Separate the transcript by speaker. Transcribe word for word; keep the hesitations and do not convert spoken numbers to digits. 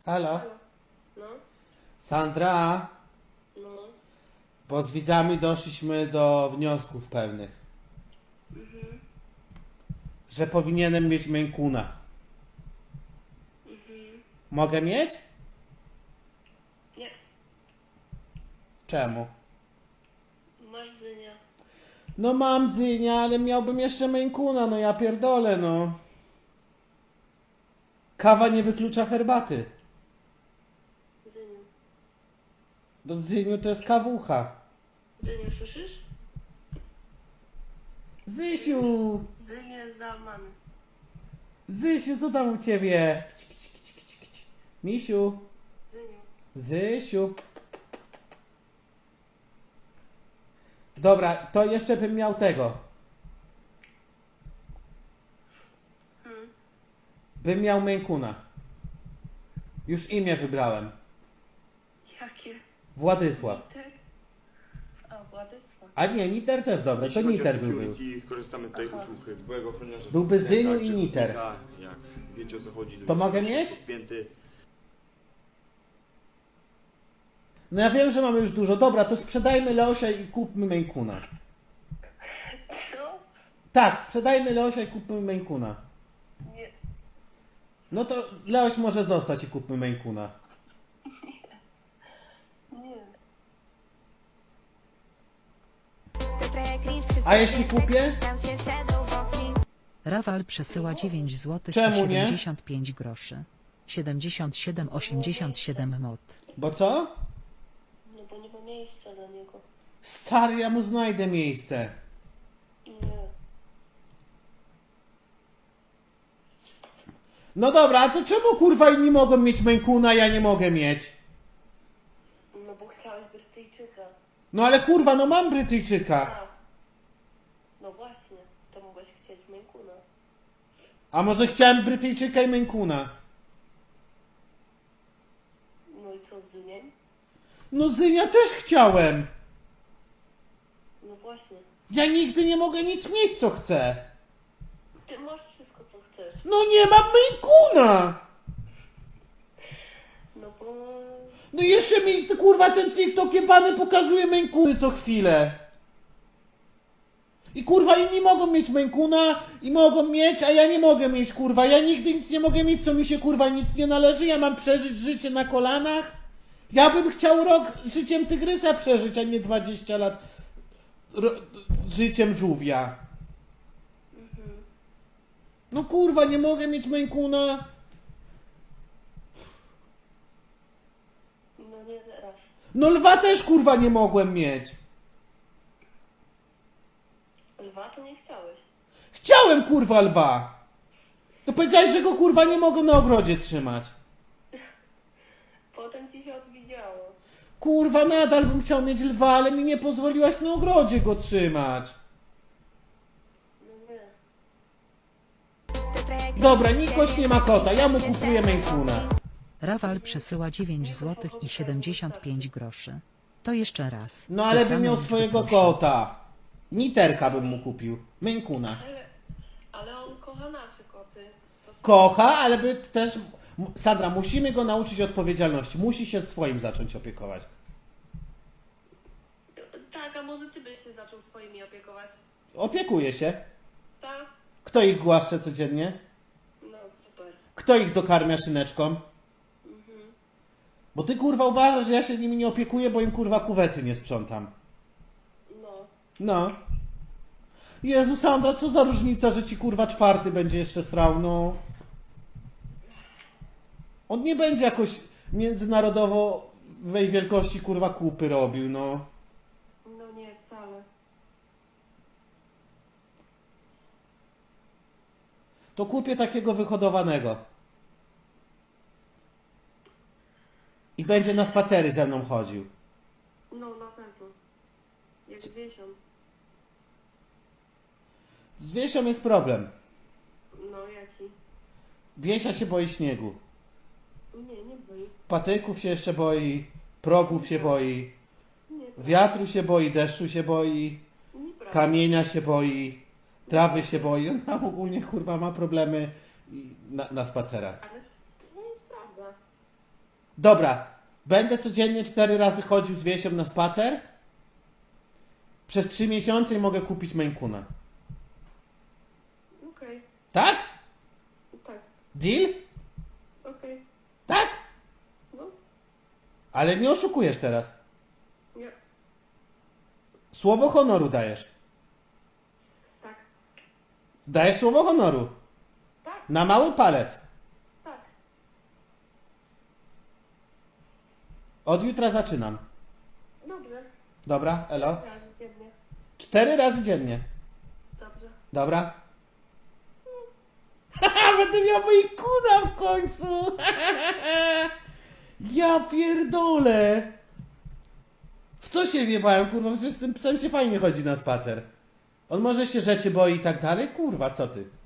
Speaker 1: Halo?
Speaker 2: Halo. No,
Speaker 1: Sandra,
Speaker 2: no.
Speaker 1: bo z widzami doszliśmy do wniosków pewnych.
Speaker 2: Mhm.
Speaker 1: Że powinienem mieć Maine Coona.
Speaker 2: Mhm.
Speaker 1: Mogę mieć?
Speaker 2: Nie,
Speaker 1: Czemu?
Speaker 2: masz Zynia.
Speaker 1: No mam Zynia, ale miałbym jeszcze Maine Coona, no ja pierdolę, no. Kawa nie wyklucza herbaty.
Speaker 2: Zyniu.
Speaker 1: Do Zyniu to jest kawucha.
Speaker 2: Zyniu, słyszysz?
Speaker 1: Zysiu!
Speaker 2: Zyniu jest załamany.
Speaker 1: Zysiu, co tam u ciebie? Kici, kici, kici, kici, kici. Misiu!
Speaker 2: Zyniu.
Speaker 1: Zysiu! Dobra, to jeszcze bym miał tego.
Speaker 2: Hmm.
Speaker 1: Bym miał Maine Coona. Już imię wybrałem.
Speaker 2: Jakie?
Speaker 1: Władysław.
Speaker 2: Niter? A, Władysław.
Speaker 1: A nie, Niter też dobre, to
Speaker 3: Jeśli chodzi o
Speaker 1: Niter by był.
Speaker 3: security, korzystamy tutaj
Speaker 2: Aha.
Speaker 3: usług z byłego ochroniarza.
Speaker 1: Byłby Zyniu
Speaker 3: Tak,
Speaker 1: i
Speaker 3: czy
Speaker 1: Niter.
Speaker 3: Tak, jak wiecie o co chodzi.
Speaker 1: To mogę
Speaker 3: jest
Speaker 1: mieć?
Speaker 3: podpięty.
Speaker 1: No ja wiem, że mamy już dużo. Dobra, to sprzedajmy Leosia i kupmy Maine Coona.
Speaker 2: Co?
Speaker 1: Tak, sprzedajmy Leosia i kupmy Maine Coona.
Speaker 2: Nie.
Speaker 1: No to Leoś może zostać i kupmy Maine Coona.
Speaker 2: Nie.
Speaker 1: A jeśli kupię?
Speaker 4: Rafal przesyła dziewięć złotych
Speaker 1: Czemu
Speaker 4: i
Speaker 1: nie?
Speaker 4: siedemdziesiąt pięć groszy. siedemdziesiąt siedem osiemdziesiąt siedem mod.
Speaker 1: Bo co?
Speaker 2: No bo nie ma miejsca dla niego.
Speaker 1: Stary, ja mu znajdę miejsce.
Speaker 2: Nie.
Speaker 1: No dobra, a to czemu kurwa inni mogą mieć Maine Coona, a ja nie mogę mieć?
Speaker 2: No bo chciałeś Brytyjczyka.
Speaker 1: No ale kurwa, no mam Brytyjczyka.
Speaker 2: A. No właśnie, to mogłeś chcieć Maine Coona.
Speaker 1: A może chciałem Brytyjczyka i Maine Coona?
Speaker 2: No i co z Zyniem?
Speaker 1: No Zynia też chciałem.
Speaker 2: No właśnie.
Speaker 1: Ja nigdy nie mogę nic mieć, co chcę.
Speaker 2: Ty masz wszystko, co chcesz.
Speaker 1: No nie mam Maine Coona.
Speaker 2: No bo...
Speaker 1: No jeszcze mi kurwa ten TikTok jebany pokazuje Maine Coony co chwilę. I kurwa inni mogą mieć Maine Coona i mogą mieć, a ja nie mogę mieć kurwa. Ja nigdy nic nie mogę mieć, co mi się kurwa nic nie należy. Ja mam przeżyć życie na kolanach. Ja bym chciał rok życiem tygrysa przeżyć, a nie dwadzieścia lat ro, życiem żółwia. No kurwa, nie mogę mieć Maine Coona.
Speaker 2: No nie teraz.
Speaker 1: No lwa też kurwa nie mogłem mieć.
Speaker 2: Lwa to nie chciałeś.
Speaker 1: Chciałem kurwa lwa. To powiedziałeś, że go kurwa nie mogę na ogrodzie trzymać.
Speaker 2: Potem ci się odwidziało.
Speaker 1: Kurwa, nadal bym chciał mieć lwa, ale mi nie pozwoliłaś na ogrodzie go trzymać.
Speaker 2: No nie.
Speaker 1: Dobra, Nikoś nie ma kota, ja mu kupuję Maine Coona.
Speaker 4: Rafal przesyła dziewięć złotych i siedemdziesiąt pięć groszy. To jeszcze raz.
Speaker 1: No ale
Speaker 4: Te
Speaker 1: bym
Speaker 4: same
Speaker 1: miał
Speaker 4: liczby,
Speaker 1: swojego
Speaker 4: proszę.
Speaker 1: kota. Niterka bym mu kupił. Maine Coona.
Speaker 2: Ale, ale on kocha nasze koty. To
Speaker 1: Kocha, ale by też... Sandra, musimy go nauczyć odpowiedzialności. Musi się swoim zacząć opiekować.
Speaker 2: Tak, a może ty byś się zaczął swoimi opiekować?
Speaker 1: Opiekuje się.
Speaker 2: Tak?
Speaker 1: Kto ich głaszcze codziennie?
Speaker 2: No super.
Speaker 1: Kto ich dokarmia szyneczką? Bo ty kurwa uważasz, że ja się nimi nie opiekuję, bo im kurwa kuwety nie sprzątam.
Speaker 2: No.
Speaker 1: No. Jezu, Sandra, co za różnica, że ci kurwa czwarty będzie jeszcze srał, no. On nie będzie jakoś międzynarodowo wej wielkości kurwa kupy robił, no.
Speaker 2: No nie, wcale.
Speaker 1: To kupię takiego wyhodowanego. I będzie na spacery ze mną chodził.
Speaker 2: No na pewno. Jak z Wiesią.
Speaker 1: Z Wiesią jest problem.
Speaker 2: No jaki?
Speaker 1: Wiesia się boi śniegu.
Speaker 2: Nie, nie boi.
Speaker 1: Patyków się jeszcze boi. Progów się boi.
Speaker 2: Nie,
Speaker 1: Wiatru się boi, deszczu się boi.
Speaker 2: nieprawda.
Speaker 1: Kamienia się boi. Trawy się boi. Ona ogólnie kurwa ma problemy i- na, na spacerach.
Speaker 2: Ale to nie jest prawda.
Speaker 1: Dobra, będę codziennie cztery razy chodził z Wiesią na spacer. Przez trzy miesiące i mogę kupić Maine Coona.
Speaker 2: Okej,
Speaker 1: Tak?
Speaker 2: tak,
Speaker 1: Deal?
Speaker 2: okej.
Speaker 1: Tak?
Speaker 2: No,
Speaker 1: Ale nie oszukujesz teraz.
Speaker 2: nie,
Speaker 1: Słowo honoru dajesz.
Speaker 2: tak,
Speaker 1: Dajesz słowo honoru.
Speaker 2: tak,
Speaker 1: Na mały palec.
Speaker 2: tak.
Speaker 1: Od jutra zaczynam.
Speaker 2: Dobrze.
Speaker 1: Dobra, elo.
Speaker 2: Razy dziennie.
Speaker 1: Cztery razy dziennie.
Speaker 2: Dobrze.
Speaker 1: Dobra. Haha, będę miał Maine Coona w końcu. Ja pierdolę. W co się wjebałem, kurwa? Przecież z tym psem się fajnie chodzi na spacer. On może się rzeczy boi i tak dalej? Kurwa, co ty?